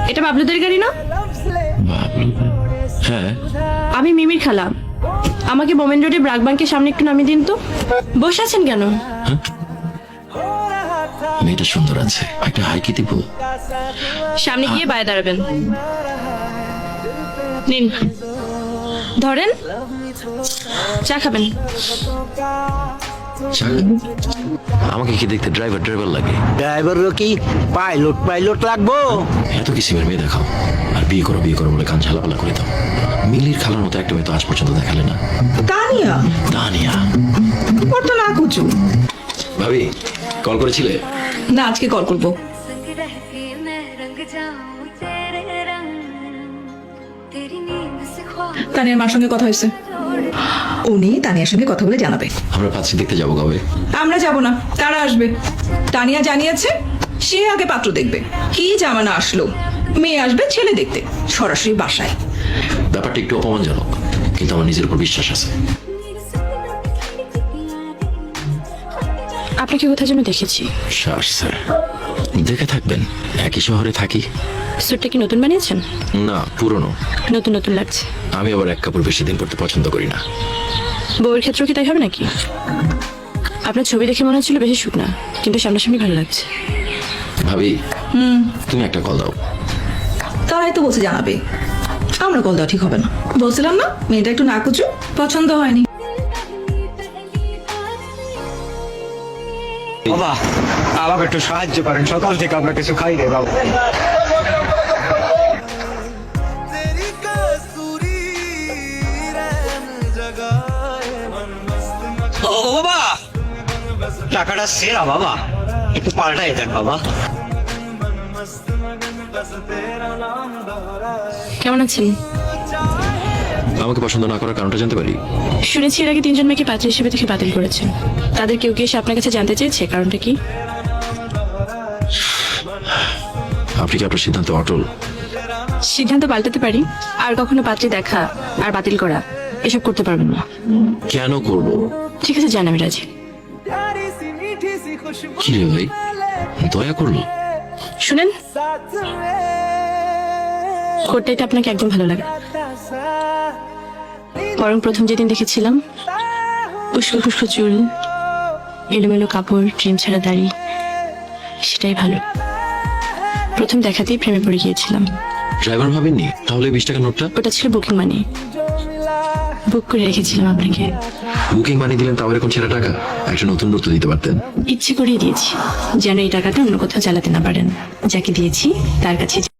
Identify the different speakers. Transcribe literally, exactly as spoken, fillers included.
Speaker 1: এটা বাবলুদের গাড়ি না?
Speaker 2: হ্যাঁ,
Speaker 1: আমি মিমির খালা। আমাকে মোমেন রোডে ব্রাক ব্যাংকের সামনে একটু নামিয়ে দিন তো। বসে আছেন কেন?
Speaker 2: মেয়েটা সুন্দর আছে, একটা হাই কি দিব?
Speaker 1: সামনে গিয়ে বায়ে দাঁড়াবেন। নিন, ধরেন, চা খাবেন?
Speaker 2: আমাকে কি দেখতে ড্রাইভার ড্রাইভার লাগে?
Speaker 3: ড্রাইভারও কি পাইলট পাইলট লাগবো?
Speaker 2: এত কিসিমের মেয়ে দেখাও, আর বিয়ে করো বিয়ে করো বলে কান ঝালাপালা করে দাও। মিলির খালার মতো একটা মেয়ে তো আজ পর্যন্ত দেখালে না।
Speaker 4: তানিয়া
Speaker 2: তানিয়া
Speaker 4: ওর তো না কুচু।
Speaker 2: ভাবি, কল করেছিলে?
Speaker 4: না, আজকে কল করবো।
Speaker 5: संग रह के मैं रंग जाऊं तेरे रंग तेरी नींद से ख्वाब
Speaker 4: তানিয়ার মার সঙ্গে কথা হয়েছে, উনি তানিয়ার সঙ্গে কথা বলে জানাবে।
Speaker 2: আমরা পাচ্ছি দেখতে যাবো কবে?
Speaker 4: আমরা যাব না, তারা আসবে। তানিয়া জানিয়েছে সে আগে পাত্র দেখবে। কি জামানা আসলো, মেয়ে আসবে ছেলে দেখতে সরাসরি বাসায়।
Speaker 2: ব্যাপারটা একটু অপমানজনক, কিন্তু আমার নিজের উপর বিশ্বাস আছে।
Speaker 1: আপনাকে কোথায় যেন দেখেছি।
Speaker 2: শ্বাস স্যার, দেখে থাকবেন, একই শহরে থাকি।
Speaker 1: স্যুটটা কি নতুন বানিয়েছেন?
Speaker 2: না, পুরনো।
Speaker 1: নতুন নতুন লাগছে।
Speaker 2: আমি আবার এক কাপড় বেশি দিন পরতে পছন্দ করি না।
Speaker 1: বউয়ের ক্ষেত্রেও কি তাই হবে নাকি? আপনার ছবি দেখে মনে হচ্ছিল বেশি শুকনা, কিন্তু সামনাসামনি ভালো লাগছে।
Speaker 2: ভাবি, তুমি একটা কল দাও।
Speaker 4: তারাই তো বলছে জানাবে, আমরা কল দেওয়া ঠিক হবে না। বলছিলাম না মেয়েটা একটু নাকুচু, পছন্দ হয়নি।
Speaker 3: বাবা আমাকে একটু সাহায্য করেন, সকাল থেকে আমরা কিছু খাই রে বাবা। ও বাবা, টাকাটা সেরা বাবা, একটু পাল্টাই দেন বাবা।
Speaker 1: কেমন আছেন?
Speaker 2: আমাকে পছন্দ না করার কারণটা জানতে পারি?
Speaker 1: শুনেছি এর আগে তিনজন মেয়েকে পাত্র হিসেবে দেখে বাতিল করেছেন। তাদের কেউ কি এসে আপনার কাছে জানতে চেয়েছে কারণটা কি?
Speaker 2: আপনি কি আপনার সিদ্ধান্ত অটল?
Speaker 1: সিদ্ধান্ত পাল্টাতে পারি, আর কখনো পাত্রে দেখা আর বাতিল করা এসব করতে পারবেন না।
Speaker 2: কেন করবো?
Speaker 1: ঠিক আছে, জান আমি রাজি।
Speaker 2: কি রে ভাই, দয়া করলো?
Speaker 1: শুনেন, করতে এটা আপনাকে একদম ভালো লাগে, বরং প্রথম যেদিন দেখেছিলাম উস্কো খুস্কো চুল, এলোমেলো কাপড়, ক্রিম ছাড়া দাড়ি, সেটাই ভালো। প্রথম দেখাতেই প্রেমে পড়ে গিয়েছিলাম।
Speaker 2: ড্রাইভার ভাবেননি তাহলে বিশ টাকা নোটটা?
Speaker 1: ওটা ছিল বুকিং মানি, বুক করে রেখেছিলাম আপনাকে।
Speaker 2: বুকিং মানি দিলেন, তাও এরকম ছেঁড়া টাকা? একটা নতুন নোট তো দিতে পারতেন।
Speaker 1: ইচ্ছে করিয়ে দিয়েছি যেন এই টাকাটা অন্য কোথাও চালাতে না পারেন। যাকে দিয়েছি তার কাছে